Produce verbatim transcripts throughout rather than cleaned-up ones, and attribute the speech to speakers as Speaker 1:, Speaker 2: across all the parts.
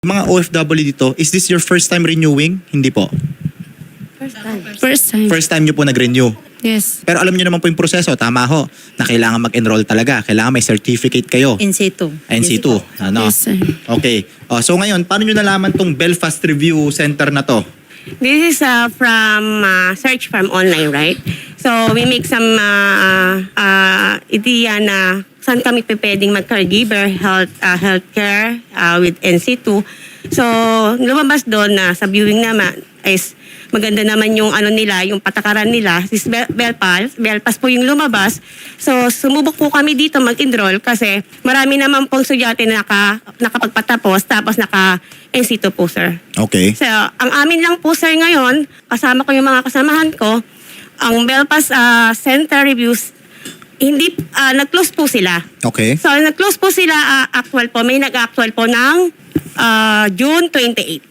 Speaker 1: Mga O F W dito, is this your first time renewing? Hindi po.
Speaker 2: First time.
Speaker 3: First time.
Speaker 1: First time nyo po nag-renew.
Speaker 3: Yes.
Speaker 1: Pero alam nyo naman po yung proseso, tama ho, na kailangan mag-enroll talaga. Kailangan may certificate kayo.
Speaker 2: N C two.
Speaker 1: N C two. Ano?
Speaker 3: Yes, sir.
Speaker 1: Okay. Oh, so ngayon, paano nyo nalaman tong Belfast Review Center na to?
Speaker 4: This is uh, from uh, search from online, right? So we make some uh, uh, idea na saan kami pwedeng mag-caregiver, health, uh, healthcare uh, with N C two. So lumabas doon na sa viewing naman is maganda naman yung ano nila, yung patakaran nila. This Bel Belpas, Belpas po yung lumabas. So sumubok po kami dito mag-enroll kasi marami naman pong estudyante na naka, nakapagpatapos tapos naka N C two po, sir.
Speaker 1: Okay.
Speaker 4: So, ang amin lang po, sir, ngayon, kasama ko yung mga kasamahan ko, ang Belfast uh, Center Reviews, hindi, uh, nag-close po sila.
Speaker 1: Okay.
Speaker 4: So, nag-close po sila, uh, actual po, may nag-actual po ng uh, June twenty-eighth.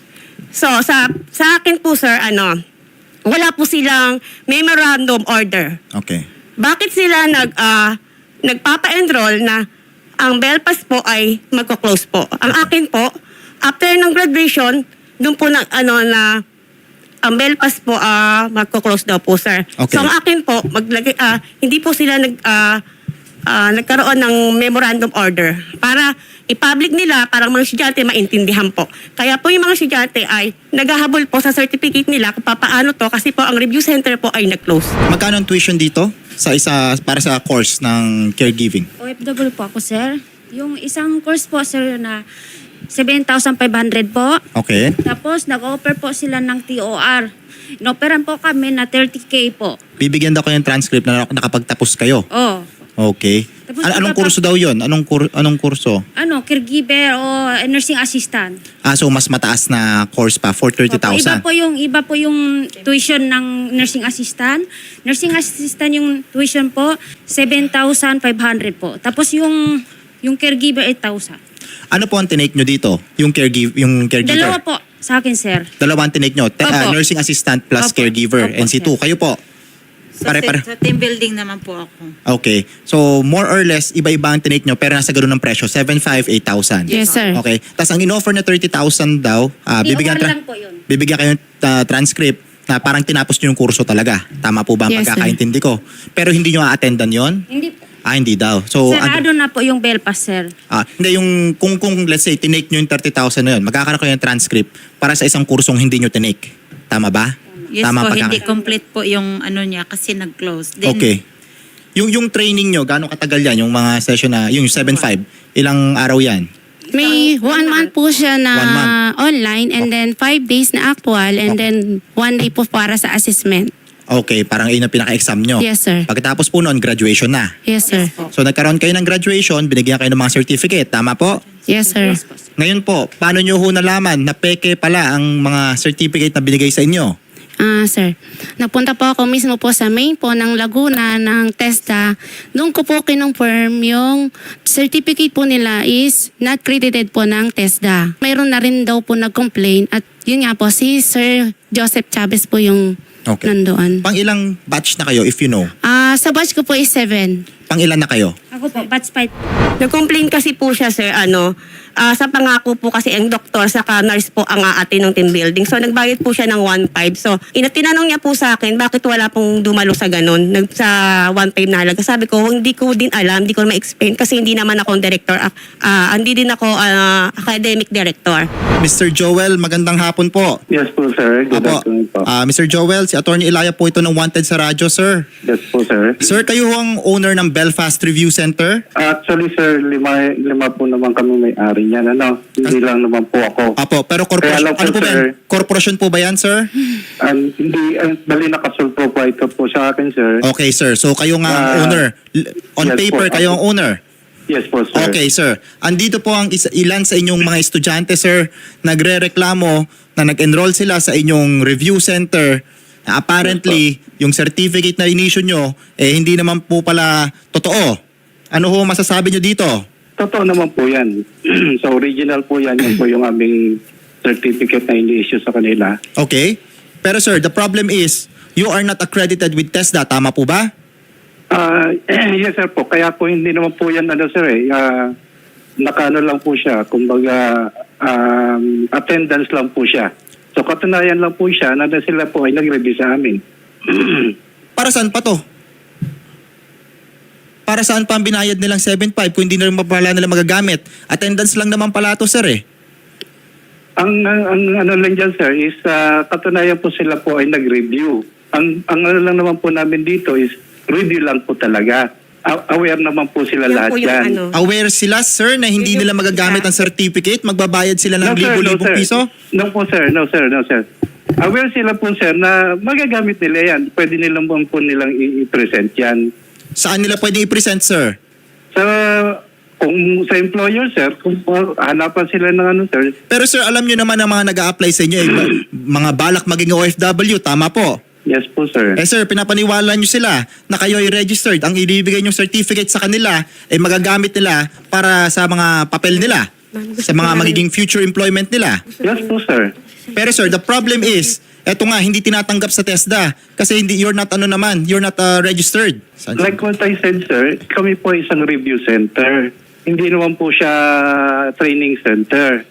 Speaker 4: So, sa, sa akin po, sir, ano, wala po silang memorandum order.
Speaker 1: Okay.
Speaker 4: Bakit sila nag, uh, nagpapa-enroll na ang Belfast po ay magko-close po? Ang akin po, after ng graduation, doon po na, ano, na ang Belfast po uh, magko-close daw po, sir.
Speaker 1: Okay.
Speaker 4: So ang akin po, maglagay, uh, hindi po sila nag, uh, uh, nagkaroon ng memorandum order para i-public nila para mga estudyante maintindihan po. Kaya po yung mga estudyante ay naghahabol po sa certificate nila kung paano to kasi po ang review center po ay nag-close.
Speaker 1: Magkano ang tuition dito sa isa para sa course ng caregiving?
Speaker 3: O F W po ako, sir. Yung isang course po, sir, na seven thousand five hundred po.
Speaker 1: Okay.
Speaker 3: Tapos, nag-offer po sila ng T O R. Inoperan po kami na thirty K po.
Speaker 1: Bibigyan daw kayo ng transcript na nakapagtapos kayo.
Speaker 3: Oh.
Speaker 1: Okay.
Speaker 3: Tapos
Speaker 1: An- anong
Speaker 3: iba pa-
Speaker 1: kurso daw yon? Anong kur- anong kurso?
Speaker 3: Ano, caregiver o nursing assistant.
Speaker 1: Ah, so mas mataas na course pa for thirty
Speaker 3: Opo,
Speaker 1: thousand.
Speaker 3: Iba po yung iba po yung tuition ng nursing assistant. Nursing assistant yung tuition po seven thousand five hundred po. Tapos yung yung caregiver eight thousand.
Speaker 1: Ano po ang tinake nyo dito? Yung caregiver, yung caregiver.
Speaker 3: Dalawa po sa akin, sir.
Speaker 1: Dalawa ang tinake nyo. Te- ah,
Speaker 3: Opo.
Speaker 1: nursing assistant plus
Speaker 3: Opo.
Speaker 1: caregiver.
Speaker 3: Opo,
Speaker 1: N C two.
Speaker 3: sir.
Speaker 1: Kayo po.
Speaker 2: Sa,
Speaker 1: Pare-pare.
Speaker 2: sa team building naman po ako.
Speaker 1: Okay. So, more or less, iba-iba ang tinake nyo pero nasa ganun ng presyo. seven five, eight thousand.
Speaker 3: Yes, sir.
Speaker 1: Okay. Tapos ang in-offer na thirty thousand daw, ah, bibigyan,
Speaker 3: T O R
Speaker 1: tra-
Speaker 3: lang po yun.
Speaker 1: bibigyan kayo uh, transcript na parang tinapos nyo yung kurso talaga. Tama po ba ang
Speaker 3: Yes, sir.
Speaker 1: pagkakaintindi ko? Pero hindi nyo a-attendan yon?
Speaker 3: Hindi po.
Speaker 1: Ah, hindi daw. So,
Speaker 3: Sarado na po yung Belfast, sir.
Speaker 1: Ah, hindi yung kung kung let's say tinake nyo yung thirty thousand na yun, magkakaroon kayo ng transcript para sa isang kursong hindi nyo tinake. Tama ba?
Speaker 2: Yes
Speaker 1: Tama
Speaker 2: po,
Speaker 1: pagkaka-
Speaker 2: hindi complete po yung ano niya kasi nag-close. Then,
Speaker 1: Okay. Yung yung training nyo, gaano katagal yan? Yung mga session na, yung seven five, ilang araw yan?
Speaker 5: May one month po siya na
Speaker 1: One month.
Speaker 5: online and then five days na actual and then one day po para sa assessment.
Speaker 1: Okay, parang yun ang pinaka-exam nyo.
Speaker 5: Yes, sir.
Speaker 1: Pagkatapos po noon, graduation na.
Speaker 5: Yes, sir.
Speaker 1: So nagkaroon kayo ng graduation, binigyan kayo ng mga certificate. Tama po?
Speaker 5: Yes, sir.
Speaker 1: Ngayon po, paano nyo ho nalaman na peke pala ang mga certificate na binigay sa inyo?
Speaker 5: Ah, sir. Nagpunta po ako mismo po sa main po ng Laguna ng TESDA. Doon ko po kinonfirm yung certificate po nila is not credited po ng TESDA. Mayroon na rin daw po nag-complain at yun nga po si Sir Joseph Chavez po yung
Speaker 1: Okay.
Speaker 5: nandoon.
Speaker 1: Pang ilang batch na kayo if you know?
Speaker 5: Ah, sa batch ko po is seven.
Speaker 1: Pang ilan na kayo?
Speaker 3: Ako po, batch five.
Speaker 4: Nag-complain kasi po siya, sir, ano, ah, sa pangako po kasi ang doktor saka nurse po ang aate ng team building. So, nagbayad po siya ng one five. So, ina tinanong niya po sa akin, bakit wala pong dumalo sa ganun, nag, sa one five na halaga. Sabi ko, hindi ko din alam, hindi ko ma-explain kasi hindi naman ako director, ah, ah, hindi din ako ah, academic director.
Speaker 1: Mister Joel, magandang hapon po.
Speaker 6: Yes po, sir. Good
Speaker 1: Apo,
Speaker 6: afternoon po.
Speaker 1: ah, Mister Joel, si Attorney Ilaya po ito ng Wanted sa radyo, sir.
Speaker 6: Yes po, sir.
Speaker 1: Sir, kayo ho ang owner ng Belfast Review Center?
Speaker 6: Actually, sir, lima, lima po naman kami may-ari niyan. Ano? Hindi lang naman po ako.
Speaker 1: Apo, pero
Speaker 6: Kaya
Speaker 1: corporation,
Speaker 6: lang po,
Speaker 1: ano po ba yan?
Speaker 6: sir.
Speaker 1: Corporation po ba yan, sir?
Speaker 6: And hindi, uh, bali nakasulpo po ito po sa akin, sir.
Speaker 1: Okay, sir. So kayo nga ang
Speaker 6: Ah,
Speaker 1: owner. L- On
Speaker 6: yes
Speaker 1: paper,
Speaker 6: po.
Speaker 1: kayo ang owner.
Speaker 6: Yes po, sir.
Speaker 1: Okay, sir. Andito po ang isa, ilan sa inyong mga estudyante, sir, nagre-reklamo na nag-enroll sila sa inyong review center na apparently yung certificate na inisyu nyo, eh hindi naman po pala totoo. Ano ho masasabi nyo dito?
Speaker 6: Totoo naman po yan. So, original po yan. Yan po yung aming certificate na ini-issue sa kanila.
Speaker 1: Okay? Pero sir, the problem is, you are not accredited with TESDA. Tama po ba?
Speaker 6: Ah, yes, sir po. Kaya po hindi naman po yan, ano, sir, eh. Ah, nakano lang po siya, kumbaga um, attendance lang po siya. So katunayan lang po siya na sila po ay nag-review sa amin.
Speaker 1: Para saan pa to? Para saan pa ang binayad nilang seven five kung hindi na rin pala nila magagamit? Attendance lang naman pala to, sir eh.
Speaker 6: Ang, ang, ang ano lang dyan, sir, is uh, katunayan po sila po ay nag-review. Ang, ang ano lang naman po namin dito is review lang po talaga. A- aware naman po sila
Speaker 4: Yan
Speaker 6: lahat
Speaker 4: po yung
Speaker 6: dyan.
Speaker 4: ano.
Speaker 1: Aware sila, sir, na hindi nila magagamit ang certificate? Magbabayad sila ng
Speaker 6: No, sir, no,
Speaker 1: libo-libong
Speaker 6: sir.
Speaker 1: piso?
Speaker 6: No po, sir. No, sir. No, sir. Aware sila po, sir, na magagamit nila yan. Pwede nilang po, po nilang i- i-present yan.
Speaker 1: Saan nila pwedeng i-present, sir?
Speaker 6: Sa, kung sa employer, sir, kung uh, hanapan sila ng ano, sir,
Speaker 1: Pero sir, alam nyo naman ang mga nag-a-apply sa inyo, eh, ba- mga balak maging O F W, tama po?
Speaker 6: yes po, sir.
Speaker 1: Eh sir, pinapaniwala nyo sila na kayo ay registered. Ang ibibigay nyong certificate sa kanila ay magagamit nila para sa mga papel nila, sa mga magiging future employment nila.
Speaker 6: Yes po, sir.
Speaker 1: Pero sir, the problem is, eto nga, hindi tinatanggap sa TESDA kasi hindi, you're not ano naman, you're not uh, registered. Saan-
Speaker 6: Like what I said, sir, kami po isang review center. Hindi naman po siya training center.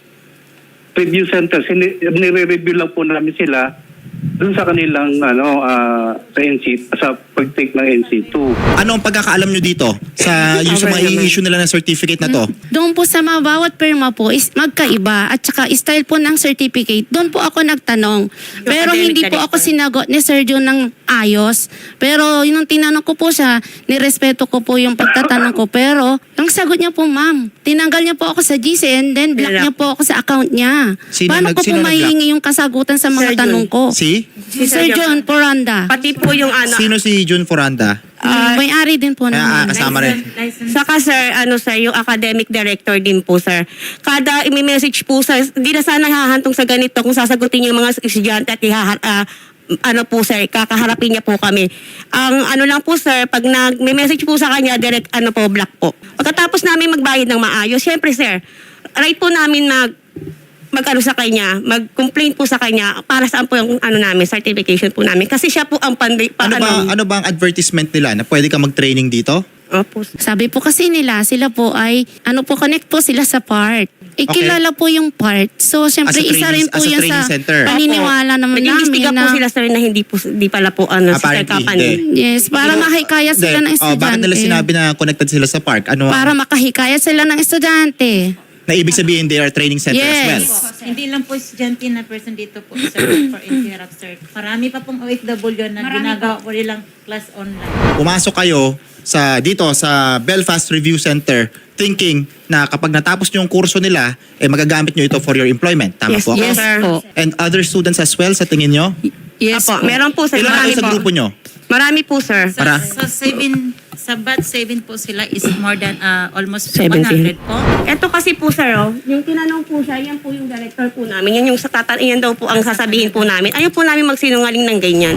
Speaker 6: Review center, sini- nire-review lang po namin sila dun sa kanilang ano ah, sa N C sa pag-take ng N C two.
Speaker 1: Ano ang pagkakaalam nyo dito sa yung sa mga i-issue nila ng certificate na to?
Speaker 5: Doon po sa mga bawat perma po is magkaiba at saka style po ng certificate. Doon po ako nagtanong. Pero
Speaker 4: academic
Speaker 5: hindi po
Speaker 4: director.
Speaker 5: ako sinagot ni Sir John ng ayos. Pero yun ang tinanong ko po siya, nirespeto ko po yung pagtatanong ko. Pero ang sagot niya po, ma'am, tinanggal niya po ako sa G C and then block
Speaker 4: Block.
Speaker 5: niya po ako sa account niya.
Speaker 1: Sino
Speaker 5: Paano
Speaker 1: nag-
Speaker 5: ko po
Speaker 1: sino nag-block?
Speaker 5: mahihingi yung kasagutan sa mga
Speaker 4: Sir John.
Speaker 5: tanong ko?
Speaker 1: Si?
Speaker 5: Si Sir John Poranda.
Speaker 4: Pati po yung ano.
Speaker 1: Sino si June Foranda?
Speaker 5: Ah, may-ari din po
Speaker 1: Ah, ah,
Speaker 5: namin.
Speaker 1: kasama rin.
Speaker 2: License.
Speaker 4: Saka sir, ano sir, yung academic director din po sir. Kada i-message po sir, di na sana hahantong sa ganito kung sasagutin yung mga estudyante at ihahar, ah, ano po sir, kakaharapin niya po kami. Ang ano lang po sir, pag nag-message po sa kanya, direct ano po, block po. Pagkatapos namin magbayad ng maayos, syempre sir, right po namin mag mag-ano sa kanya, mag-complain po sa kanya para saan po yung ano namin, certification po namin. Kasi siya po ang panday, pa,
Speaker 1: Ano ba ano ba ang advertisement nila na pwede ka mag-training dito?
Speaker 4: Opo.
Speaker 5: Sabi po kasi nila, sila po ay, ano po, connect po sila sa part. Ikilala po yung part. So, syempre,
Speaker 1: As a
Speaker 5: isa
Speaker 1: training-
Speaker 5: rin po
Speaker 1: as a
Speaker 5: yan
Speaker 1: training
Speaker 5: sa
Speaker 1: center.
Speaker 5: paniniwala naman namin
Speaker 4: Nag-imbestiga
Speaker 5: na,
Speaker 4: po sila sir na hindi po hindi pala po ano sa
Speaker 1: Apparently,
Speaker 4: company.
Speaker 1: hindi.
Speaker 5: yes, para makahikayat sila ng
Speaker 1: Hindi. Oh, bakit
Speaker 5: estudyante.
Speaker 1: nila sinabi na connected sila sa park? Ano
Speaker 5: Para makahikayat sila ng estudyante.
Speaker 1: na ibig sabihin they are training center as well?
Speaker 5: Yes.
Speaker 2: Hindi lang po estudyante na person dito po, sir, for interrupt, sir. Marami pa pong O F W na ginagawa po nilang class online.
Speaker 1: Pumasok kayo sa dito sa Belfast Review Center thinking na kapag natapos nyo yung kurso nila, eh magagamit nyo ito for your employment. Tama
Speaker 4: Yes,
Speaker 1: po ako?
Speaker 4: yes
Speaker 3: Yes po.
Speaker 1: And other students as well sa tingin nyo?
Speaker 3: Yes
Speaker 4: Apo,
Speaker 3: po.
Speaker 4: meron po sir.
Speaker 1: Ilan
Speaker 4: Marami
Speaker 1: kayo sa
Speaker 4: po.
Speaker 1: grupo nyo?
Speaker 4: Marami po sir.
Speaker 2: Sa,
Speaker 1: Para?
Speaker 2: sa seven, sa batch seven po sila is more than uh, almost
Speaker 4: seventeen.
Speaker 2: one hundred po.
Speaker 4: Ito kasi po sir, oh, yung tinanong po siya, yan po yung director po namin. Yan yung sa tatan, yan daw po ang sasabihin po namin. Ayaw po namin magsinungaling ng ganyan.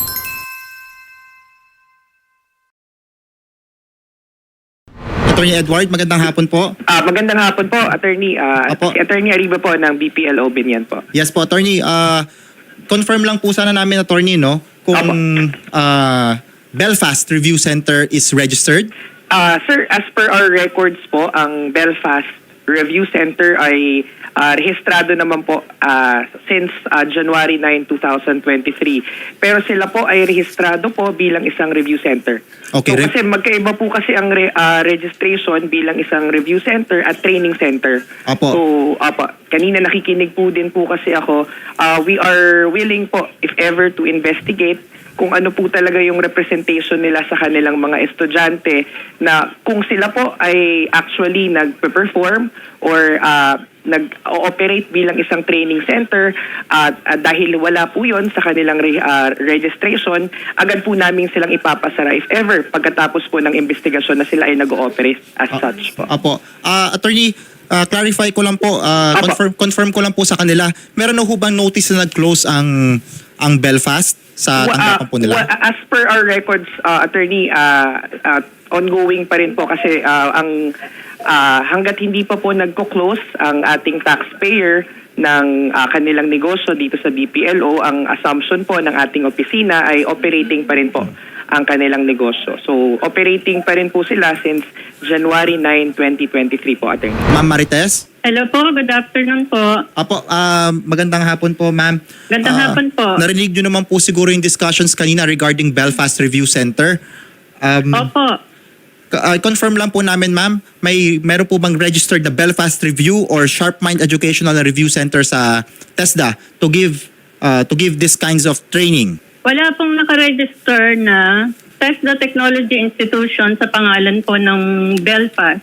Speaker 1: Attorney Edward, magandang hapon po.
Speaker 7: Ah, magandang hapon po, Attorney. Ah,
Speaker 1: Opo.
Speaker 7: si Attorney Arriba po ng B P L O Binyan po.
Speaker 1: Yes po, attorney. Uh, confirm lang po sana namin, attorney, no? Kung uh, Belfast Review Center is registered.
Speaker 7: Ah, sir, as per our records po, ang Belfast Review Center ay ah, rehistrado naman po ah, since ah, January ninth, twenty twenty-three. Pero sila po ay rehistrado po bilang isang review center.
Speaker 1: Okay,
Speaker 7: So,
Speaker 1: re-
Speaker 7: kasi magkaiba po kasi ang re- ah, registration bilang isang review center at training center.
Speaker 1: Apo.
Speaker 7: So, apa, kanina nakikinig po din po kasi ako, ah, we are willing po if ever to investigate kung ano po talaga yung representation nila sa kanilang mga estudyante na kung sila po ay actually nag-perform or uh, nag-ooperate bilang isang training center at uh, dahil wala po yon sa kanilang re- uh, registration, agad po namin silang ipapasara if ever pagkatapos po ng investigasyon na sila ay nag-ooperate as such po.
Speaker 1: Apo. Uh, attorney, uh, clarify ko lang po, uh,
Speaker 7: Apo.
Speaker 1: confirm, confirm ko lang po sa kanila. Meron na ho bang notice na nag-close ang ang Belfast sa
Speaker 7: Wa-
Speaker 1: tanggapan po nila?
Speaker 7: wa- as per our records, uh, attorney, uh, uh, ongoing pa rin po kasi uh, ang ah, hanggat hindi pa po nagko-close ang ating taxpayer ng ah, kanilang negosyo dito sa B P L O, ang assumption po ng ating opisina ay operating pa rin po ang kanilang negosyo. So, operating pa rin po sila since January ninth, twenty twenty-three po, Attorney.
Speaker 1: Ma'am Marites?
Speaker 8: Hello po, good afternoon po.
Speaker 1: Apo, ah, magandang hapon po, ma'am.
Speaker 8: Magandang
Speaker 1: Ah,
Speaker 8: hapon po.
Speaker 1: Narinig nyo naman po siguro yung discussions kanina regarding Belfast Review Center. Um,
Speaker 8: Opo.
Speaker 1: Ka- uh, confirm lang po namin, ma'am, may meron po bang registered na Belfast Review or Sharp Mind Educational and Review Center sa TESDA to give uh, to give these kinds of training?
Speaker 8: Wala pong nakaregister na TESDA Technology Institution sa pangalan po ng Belfast.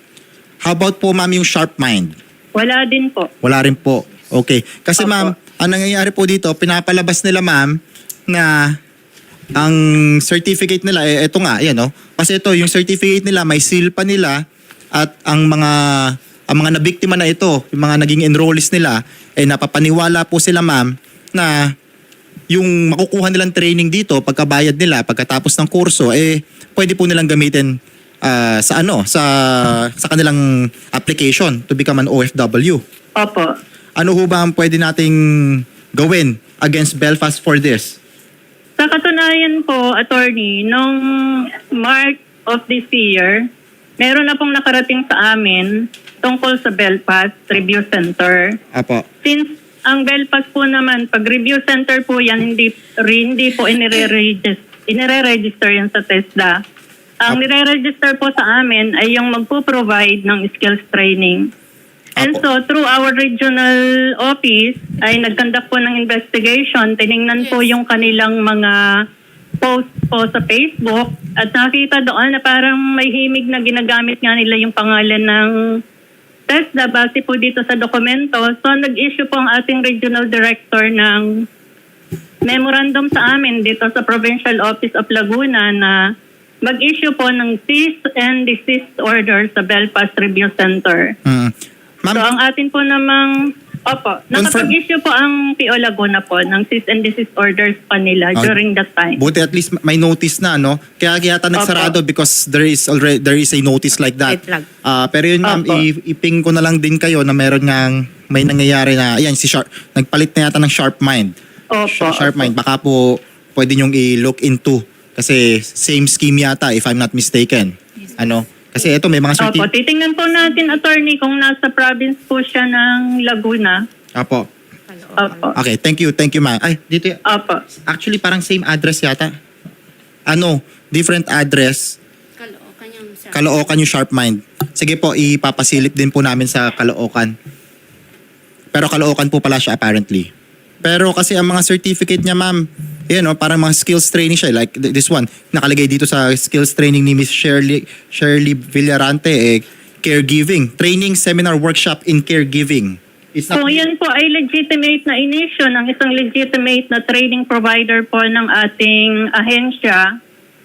Speaker 1: How about po, ma'am, yung Sharp Mind?
Speaker 8: Wala din po.
Speaker 1: Wala rin po. Okay. Kasi
Speaker 8: Opo.
Speaker 1: ma'am, ang nangyayari po dito, pinapalabas nila, ma'am, na ang certificate nila, eh, ito nga, yan, no? Kasi ito, yung certificate nila, may seal pa nila at ang mga ang mga nabiktima na ito, yung mga naging enrollees nila, eh napapaniwala po sila, ma'am, na yung makukuha nilang training dito, pagkabayad nila, pagkatapos ng kurso, eh pwede po nilang gamitin ah, sa ano, sa sa kanilang application to become an O F W.
Speaker 8: Opo.
Speaker 1: Ano ho ba ang pwede nating gawin against Belfast for this?
Speaker 8: Sa katunayan po, attorney, nung March of this year, meron na pong nakarating sa amin tungkol sa Belfast Review Center.
Speaker 1: Apo.
Speaker 8: Since ang Belfast po naman, pag review center po yan, hindi, hindi po inire-register, inire-register yan sa TESDA. Ang
Speaker 1: Apo.
Speaker 8: nire-register po sa amin ay yung magpo-provide ng skills training. And
Speaker 1: Apo.
Speaker 8: so, through our regional office, ay nagkandak po ng investigation. Tiningnan po yung kanilang mga post po sa Facebook at nakita doon na parang may himig na ginagamit nga nila yung pangalan ng TESDA base po dito sa dokumento. So, nag-issue po ang ating regional director ng memorandum sa amin dito sa Provincial Office of Laguna na mag-issue po ng cease and desist order sa Belfast Review Center.
Speaker 1: Mm. Ma'am,
Speaker 8: So, ang atin po namang, opo, nakapag-issue po ang P O Laguna po ng cease and desist orders pa nila
Speaker 1: Ah,
Speaker 8: during that time.
Speaker 1: buti at least may notice na, no? Kaya kaya yata nagsarado because there is already there is a notice like that.
Speaker 4: Red flag.
Speaker 1: Ah, pero yun, ma'am,
Speaker 8: Opo.
Speaker 1: i- iping ko na lang din kayo na meron ngang may nangyayari na, ayan, si Sharp, nagpalit na yata ng Sharp Mind.
Speaker 8: Opo.
Speaker 1: Sh- Sharp Mind, baka po pwede nyong i-look into kasi same scheme yata if I'm not mistaken. Ano? Kasi ito may mga certi-
Speaker 8: Opo, titingnan po natin, attorney, kung nasa province po siya ng Laguna.
Speaker 1: Apo.
Speaker 8: Opo.
Speaker 1: Okay, thank you, thank you, ma'am. Ay, dito y-
Speaker 8: Opo.
Speaker 1: actually parang same address yata. Ano, different address.
Speaker 5: Kaloocan yung sir.
Speaker 1: Caloocan yung Sharp Mind. Sige po, ipapasilip din po namin sa Caloocan. Pero Caloocan po pala siya apparently. Pero kasi ang mga certificate niya, ma'am, yun, no, parang mga skills training siya. Like th- this one, nakalagay dito sa skills training ni Miss Shirley, Shirley Villarante, eh, caregiving. Training seminar workshop in caregiving. It's not,
Speaker 8: Kung yan po ay legitimate na inisyo ng isang legitimate na training provider po ng ating ahensya,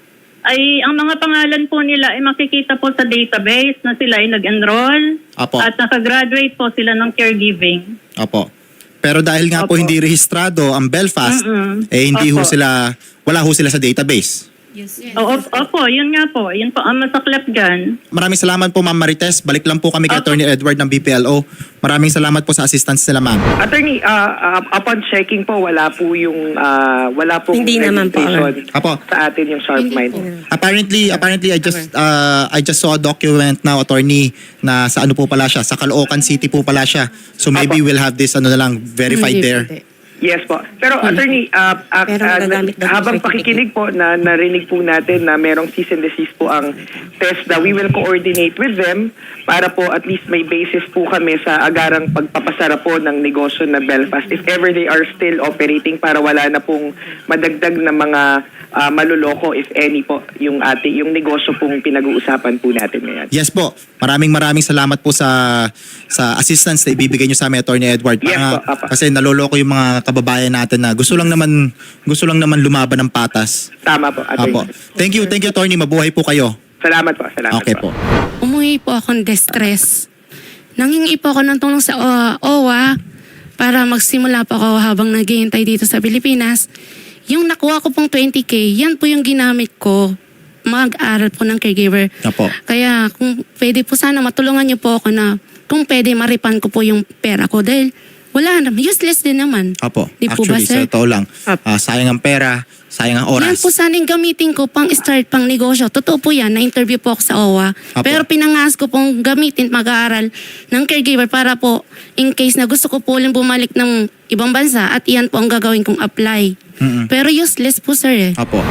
Speaker 8: ay ang mga pangalan po nila ay makikita po sa database na sila ay nag-enroll
Speaker 1: Apo.
Speaker 8: at nakagraduate po sila ng caregiving.
Speaker 1: Opo. Pero dahil nga po
Speaker 8: Opo.
Speaker 1: hindi rehistrado ang Belfast,
Speaker 8: Mm-mm.
Speaker 1: eh hindi ho
Speaker 8: Opo.
Speaker 1: sila, wala ho sila sa database.
Speaker 2: Yes.
Speaker 8: Oo, opo, yun nga po. Yun po ang masaklap dyan.
Speaker 1: Maraming salamat po, Ma'am Marites. Balik lang po kami kay
Speaker 8: Opo.
Speaker 1: Attorney Edward ng B P L O. Maraming salamat po sa assistance nila, ma'am.
Speaker 7: Attorney, ah, ah, upon checking po, wala po yung, ah, wala po
Speaker 4: Hindi naman po,
Speaker 7: registration
Speaker 1: Apo.
Speaker 7: sa atin yung Sharp Mind.
Speaker 1: Apparently, apparently I just uh, I just saw a document now, attorney, na sa ano po pala siya, sa Caloocan City po pala siya. So maybe
Speaker 7: Apo.
Speaker 1: we'll have this ano na lang verified
Speaker 5: Hindi,
Speaker 1: there.
Speaker 5: hindi.
Speaker 7: Yes po. Pero attorney, ah, ah,
Speaker 4: Pero
Speaker 7: ah,
Speaker 4: magagamit daw yung
Speaker 7: habang
Speaker 4: certificate.
Speaker 7: pakikinig po na narinig po natin na merong cease and desist po ang TESDA, we will coordinate with them para po at least may basis po kami sa agarang pagpapasara po ng negosyo na Belfast if ever they are still operating para wala na pong madagdag na mga ah, maluloko if any po yung ate yung negosyo pong pinag-uusapan po natin ngayon.
Speaker 1: Yes po. Maraming maraming salamat po sa sa assistance na ibibigay niyo sa amin, Attorney Edward.
Speaker 7: Yes
Speaker 1: Para-
Speaker 7: po, Papa.
Speaker 1: kasi naloloko yung mga kababayan natin na gusto lang naman gusto lang naman lumaban ng patas.
Speaker 7: Tama po, attorney.
Speaker 1: Apo. Thank you, thank you, Attorney. Mabuhay po kayo.
Speaker 7: Salamat po, salamat
Speaker 1: Okay po.
Speaker 5: Umuwi po akong distress. Nangingi po ako ng tulong sa uh, O W A para magsimula po ako habang naghihintay dito sa Pilipinas. Yung nakuha ko pong twenty K, yan po yung ginamit ko mag-aral po ng caregiver.
Speaker 1: Apo.
Speaker 5: Kaya kung pwede po sana matulungan niyo po ako na kung pwede maripan ko po yung pera ko dahil wala naman, useless din naman.
Speaker 1: Apo.
Speaker 5: Di po ba,
Speaker 1: Actually,
Speaker 5: sir?
Speaker 1: sa totoo lang, ah, sayang ang pera, sayang ang
Speaker 5: Yan
Speaker 1: oras.
Speaker 5: po sana yung gamitin ko pang start, pang negosyo. Totoo po yan, na-interview po ako sa O W A.
Speaker 1: Apo.
Speaker 5: Pero pinangas ko pong gamitin, mag-aaral ng caregiver para po in case na gusto ko po ulit bumalik ng ibang bansa at iyan po ang gagawin kong apply.
Speaker 1: Mm-mm.
Speaker 5: Pero useless po sir eh.
Speaker 1: Apo.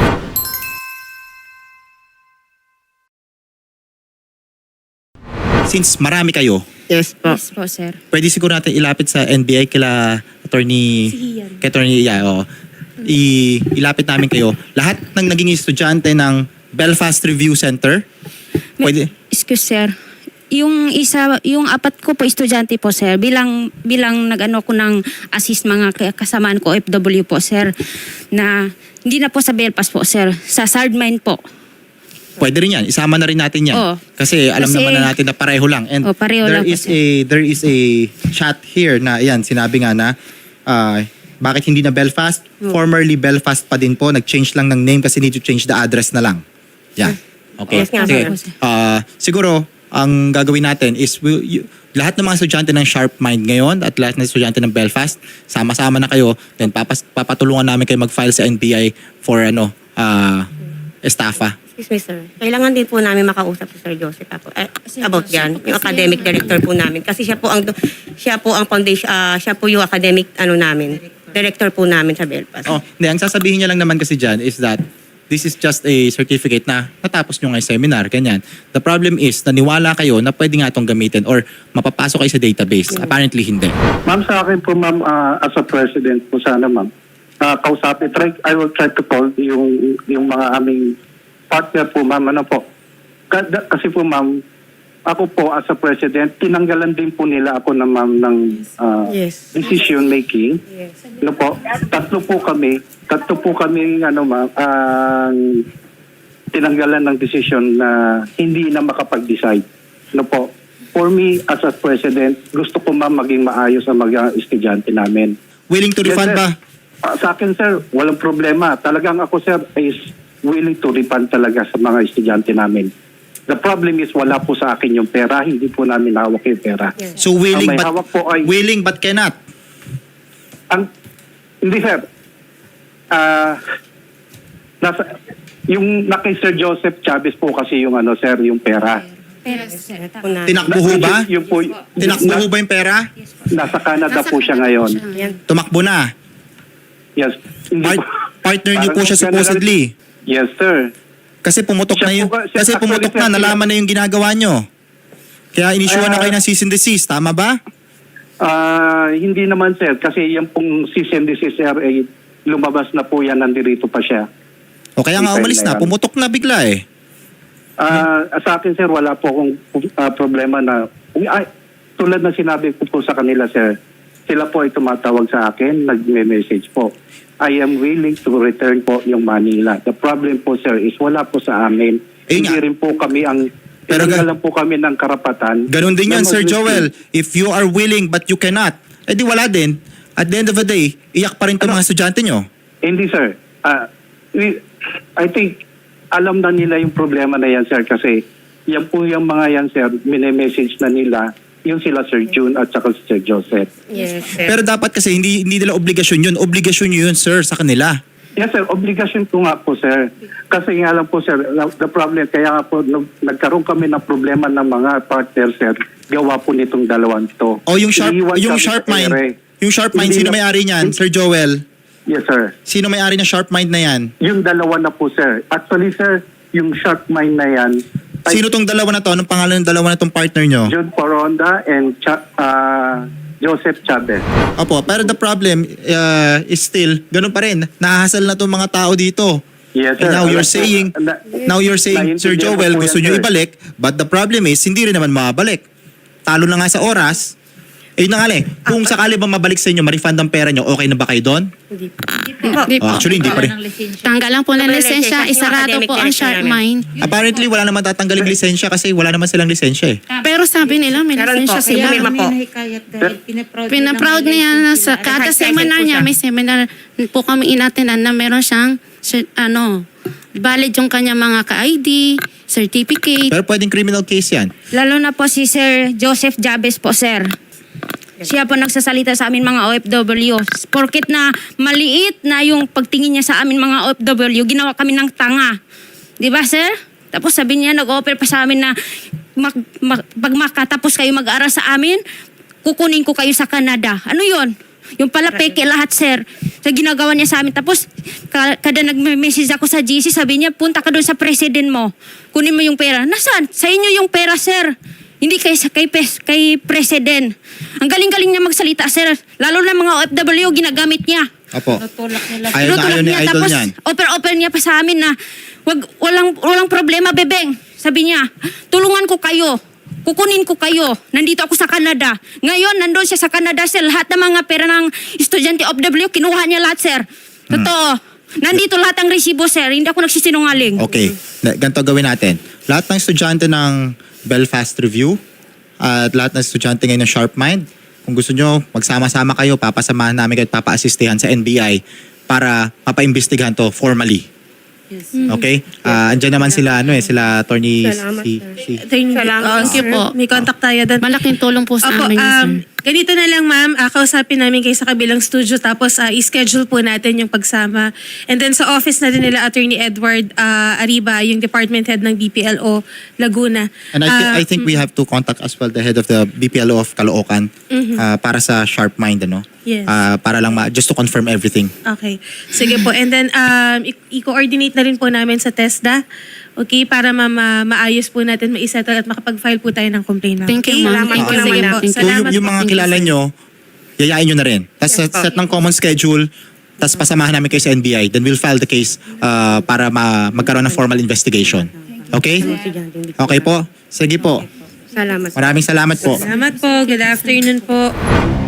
Speaker 1: Since marami kayo,
Speaker 4: Yes po.
Speaker 3: Yes po, sir.
Speaker 1: pwede siguro natin ilapit sa N B I kila attorney kay attorney Iya, oh. I, ilapit namin kayo. Lahat ng naging estudyante ng Belfast Review Center. Pwede.
Speaker 3: Excuse, sir. Yung isa, yung apat ko po estudyante po, sir, bilang bilang nag-ano ko ng assist mga ka- kasamaan ko O F W po, sir, na hindi na po sa Belfast po, sir, sa Sardmine po.
Speaker 1: Pwede rin yan. Isama na rin natin yan.
Speaker 3: Oo.
Speaker 1: Kasi alam
Speaker 3: Kasi-
Speaker 1: naman na natin na pareho lang. And
Speaker 3: Oo, pareho
Speaker 1: there
Speaker 3: lang po,
Speaker 1: is
Speaker 3: sir.
Speaker 1: a there is a chat here na yan, sinabi nga na ah, bakit hindi na Belfast? Formerly Belfast pa din po. Nag-change lang ng name kasi need to change the address na lang. Yan. Okay.
Speaker 4: Yes nga,
Speaker 1: Sige.
Speaker 4: sir.
Speaker 1: Ah, siguro, ang gagawin natin is will, you- lahat ng mga estudyante ng Sharp Mind ngayon at lahat ng estudyante ng Belfast, sama-sama na kayo. Then papas, papatulungan namin kayo mag-file sa N B I for ano, ah, estafa.
Speaker 4: Excuse me, sir. Kailangan din po namin makausap si Sir Joseph po, eh,
Speaker 3: Sir
Speaker 4: about
Speaker 3: Joseph
Speaker 4: yan,
Speaker 3: po
Speaker 4: yung
Speaker 3: kasi
Speaker 4: academic
Speaker 3: yung-
Speaker 4: director po namin. Kasi siya po ang siya po ang foundation, ah, siya po yung academic ano namin, director po namin sa Belfast.
Speaker 1: Oh, hindi, ang sasabihin niya lang naman kasi dyan is that this is just a certificate na natapos nyo nga yung seminar, ganyan. The problem is, naniwala kayo na pwede nga itong gamitin or mapapasok kayo sa database. Apparently, hindi.
Speaker 6: Ma'am, sa akin po, ma'am, ah, as a president po sana, ma'am, uh, kausapin, try, I will try to call yung, yung mga aming partner po, ma'am, ano po. Kada- Kasi po, ma'am, ako po as a president, tinanggalan din po nila ako na, ma'am, ng ah,
Speaker 4: Yes.
Speaker 6: decision making.
Speaker 4: Yes.
Speaker 6: Ano po, tatlo po kami, tatlo po kami, ano, ma'am, ang tinanggalan ng decision na hindi na makapag-decide. Ano po, for me, as a president, gusto ko, ma'am, maging maayos ang mga estudyante namin.
Speaker 1: Willing to
Speaker 6: Yes,
Speaker 1: refund
Speaker 6: sir.
Speaker 1: ba?
Speaker 6: Ah, sa akin, sir, walang problema. Talagang ako, sir, is willing to refund talaga sa mga estudyante namin. The problem is wala po sa akin yung pera, hindi po namin hawak yung pera.
Speaker 1: So willing
Speaker 6: Ang may
Speaker 1: but
Speaker 6: hawak po ay-
Speaker 1: willing but cannot.
Speaker 6: Ang, hindi, sir. Ah, nasa, yung na kay Sir Joseph Chavez po kasi yung ano, sir, yung pera.
Speaker 3: Pero, sir,
Speaker 4: Po namin.
Speaker 1: Tinakbuho ba?
Speaker 6: Yung, yung po,
Speaker 1: Tinakbuho ba yung pera?
Speaker 6: nasa Canada
Speaker 5: Nasa
Speaker 6: po siya
Speaker 5: Canada
Speaker 6: ngayon.
Speaker 5: po siya.
Speaker 4: Yan.
Speaker 1: Tumakbo na.
Speaker 6: Yes. Hindi
Speaker 1: Part-
Speaker 6: po-
Speaker 1: partner niyo po
Speaker 6: Parang
Speaker 1: siya
Speaker 6: ganun-
Speaker 1: supposedly.
Speaker 6: Yes, sir.
Speaker 1: Kasi pumutok
Speaker 6: Siya
Speaker 1: na yung
Speaker 6: po ba- siya-
Speaker 1: kasi pumutok
Speaker 6: actually,
Speaker 1: na,
Speaker 6: sir,
Speaker 1: nalaman na yung ginagawa nyo. Kaya inisyuhan na
Speaker 6: Ah.
Speaker 1: kayo ng cease and desist, tama ba?
Speaker 6: Ah, hindi naman, sir, kasi yung pong cease and desist, sir, eh, lumabas na po yan, nandirito pa siya.
Speaker 1: O kaya nga
Speaker 6: Hindi
Speaker 1: umalis
Speaker 6: pwede
Speaker 1: na,
Speaker 6: yan.
Speaker 1: pumutok na bigla eh.
Speaker 6: Ah, sa akin, sir, wala po akong ah, problema na ay, tulad na sinabi ko po sa kanila, sir, sila po ay tumatawag sa akin, nag-message po. I am willing to return po yung Manila. The problem po, sir, is wala po sa amin.
Speaker 1: Eh
Speaker 6: Hindi
Speaker 1: nga.
Speaker 6: rin po kami ang
Speaker 1: Pero ga-
Speaker 6: tinanggalan po kami ng karapatan.
Speaker 1: Ganon din
Speaker 6: na
Speaker 1: yan, Sir
Speaker 6: mag-receive.
Speaker 1: Joel. If you are willing but you cannot, eh di wala din. At the end of the day, iyak pa rin itong
Speaker 6: Ano?
Speaker 1: mga estudyante nyo.
Speaker 6: Hindi, sir. Ah, we, I think alam na nila yung problema na yan, sir, kasi yan po yung mga yan, sir, mini-message na nila yung sila Sir June at saka si Sir Joseph.
Speaker 4: Yes, sir.
Speaker 1: Pero dapat kasi hindi hindi nila obligasyon yun. Obligasyon nyo yun, sir, sa kanila.
Speaker 6: Yes, sir. Obligasyon ko nga po, sir. Kasi nga lang po, sir, the problem, kaya nga po, nag- nagkaroon kami ng problema ng mga partner, sir, gawa po nitong dalawang to.
Speaker 1: O yung sharp,
Speaker 6: Iniwan
Speaker 1: yung
Speaker 6: kami
Speaker 1: sharp
Speaker 6: sa
Speaker 1: mind,
Speaker 6: ere.
Speaker 1: yung sharp mind,
Speaker 6: Hindi
Speaker 1: sino
Speaker 6: na-
Speaker 1: may-ari niyan, Sir Joel?
Speaker 6: Yes, sir.
Speaker 1: Sino may-ari ng sharp mind na yan?
Speaker 6: Yung dalawa na po, sir. Actually, sir, yung sharp mind na yan, ay
Speaker 1: Sino tong dalawa na to? Anong pangalan ng dalawa na tong partner nyo?
Speaker 6: John Poronda and Cha- ah, Joseph Chavez.
Speaker 1: Opo, pero the problem uh, is still, ganun pa rin. Nahahasal na tong mga tao dito.
Speaker 6: Yes,
Speaker 1: And
Speaker 6: sir.
Speaker 1: now you're
Speaker 6: Alam-
Speaker 1: saying,
Speaker 6: na-
Speaker 1: now you're saying, Sir
Speaker 6: naiintindihan ko
Speaker 1: Joel,
Speaker 6: po
Speaker 1: gusto
Speaker 6: yan,
Speaker 1: nyo
Speaker 6: sir.
Speaker 1: ibalik, but the problem is, hindi rin naman mabalik. Talo na nga sa oras. Eh, yun na nga eh, kung sakali ba mabalik sa inyo, ma-refund ang pera nyo, okay na ba kayo doon?
Speaker 4: Hindi po.
Speaker 5: Di po.
Speaker 1: Oh, actually, hindi pa rin.
Speaker 2: Ng lisensya.
Speaker 5: Tanggalan po ng
Speaker 4: Wala
Speaker 5: lisensya,
Speaker 4: lisensya, yung
Speaker 5: isarado
Speaker 4: academic
Speaker 5: po ang
Speaker 4: director
Speaker 5: sharp
Speaker 4: namin.
Speaker 5: mind.
Speaker 1: Apparently, wala naman tatanggaling lisensya kasi wala naman silang lisensya eh.
Speaker 5: Pero sabi nila may
Speaker 4: Meron
Speaker 5: lisensya
Speaker 4: po,
Speaker 5: sila.
Speaker 4: kaya
Speaker 2: Kami
Speaker 4: po.
Speaker 2: nahikayat dahil pinaproud
Speaker 5: Pinaproud niya na sa kada
Speaker 4: Kahit
Speaker 5: seminar
Speaker 4: po
Speaker 5: niya,
Speaker 4: siya.
Speaker 5: may seminar po kami inatinan na meron siyang si- ano, valid yung kanya mga ka-I D, certificate.
Speaker 1: Pero pwedeng criminal case yan.
Speaker 3: Lalo na po si Sir Joseph Jabez po, sir. Siya po nagsasalita sa amin mga O F W. Porket na maliit na yung pagtingin niya sa amin mga O F W, ginawa kami ng tanga. Di ba, sir? Tapos sabi niya, nag-offer pa sa amin na mag, mag, pag makatapos kayo mag-aral sa amin, kukunin ko kayo sa Canada. Ano yon? Yung pala peke lahat, sir. Sa ginagawa niya sa amin. Tapos, ka- kada nag-message ako sa G C, sabi niya, punta ka doon sa president mo. Kunin mo yung pera. Nasaan? Sa inyo yung pera, sir. Hindi kay, kay, pes- kay president. Ang galing-galing niya magsalita, sir. Lalo na mga O F W, ginagamit niya.
Speaker 1: Opo.
Speaker 2: Tutulak nila.
Speaker 1: Ayaw na
Speaker 3: Tinutulak
Speaker 1: ayaw ni
Speaker 3: niya,
Speaker 1: Idol
Speaker 3: tapos
Speaker 1: niyan.
Speaker 3: open-open niya pa sa amin na wag, walang, walang problema, bebeng. Sabi niya, tulungan ko kayo. Kukunin ko kayo. Nandito ako sa Canada. Ngayon, nandun siya sa Canada, sir. Lahat ng mga pera ng estudyante O F W, kinuha niya lahat, sir. Totoo. Nandito lahat ang resibo, sir. Hindi ako nagsisinungaling.
Speaker 1: Okay. Na- Ganito gawin natin. Lahat ng estudyante ng Belfast Review at lahat ng estudyante ngayon ng Sharp Mind, kung gusto nyo, magsama-sama kayo, papasamahan namin kayo at papa-assistihan sa N B I para papaimbestigahan to formally. Okay? Ah, andyan naman sila, ano eh, sila Attorney
Speaker 4: Salamat,
Speaker 1: si,
Speaker 4: sir.
Speaker 1: si,
Speaker 9: Attorney,
Speaker 4: Salamat,
Speaker 9: uh,
Speaker 5: sir.
Speaker 9: po. May contact tayo doon.
Speaker 5: Malaking tulong po sa
Speaker 9: Opo,
Speaker 5: amin yun, sir.
Speaker 9: um, ganito na lang ma'am, uh, kausapin namin kayo sa kabilang studio tapos uh, i-schedule po natin yung pagsama. And then sa office na din nila Attorney Edward uh, Ariba, yung department head ng B P L O Laguna.
Speaker 1: And I, thi-
Speaker 9: Uh,
Speaker 1: I think we have to contact as well the head of the B P L O of Caloocan ah, para sa Sharp Mind, ano?
Speaker 9: Yes.
Speaker 1: Ah, para lang ma- just to confirm everything.
Speaker 9: Okay. Sige po. And then, um, i- i-coordinate na rin po namin sa TESDA. Okay? Para ma- ma- maayos po natin, maisettle at makapag-file po tayo ng complaint. ma'am.
Speaker 5: Thank you,
Speaker 9: Okay?
Speaker 5: ma'am.
Speaker 9: Salamat
Speaker 5: Thank
Speaker 9: po.
Speaker 5: you,
Speaker 9: Sige
Speaker 5: ma'am.
Speaker 9: po.
Speaker 5: Thank you.
Speaker 1: So yung,
Speaker 9: Salamat
Speaker 1: yung
Speaker 9: po.
Speaker 1: mga kilala nyo, yayain nyo na rin. Tapos set, set ng common schedule, tapos pasamahan namin kayo sa N B I. Then we'll file the case ah, para ma- magkaroon ng formal investigation. Okay? Okay po? Sige po.
Speaker 4: Salamat.
Speaker 1: Maraming salamat po.
Speaker 9: Salamat po. Good afternoon po.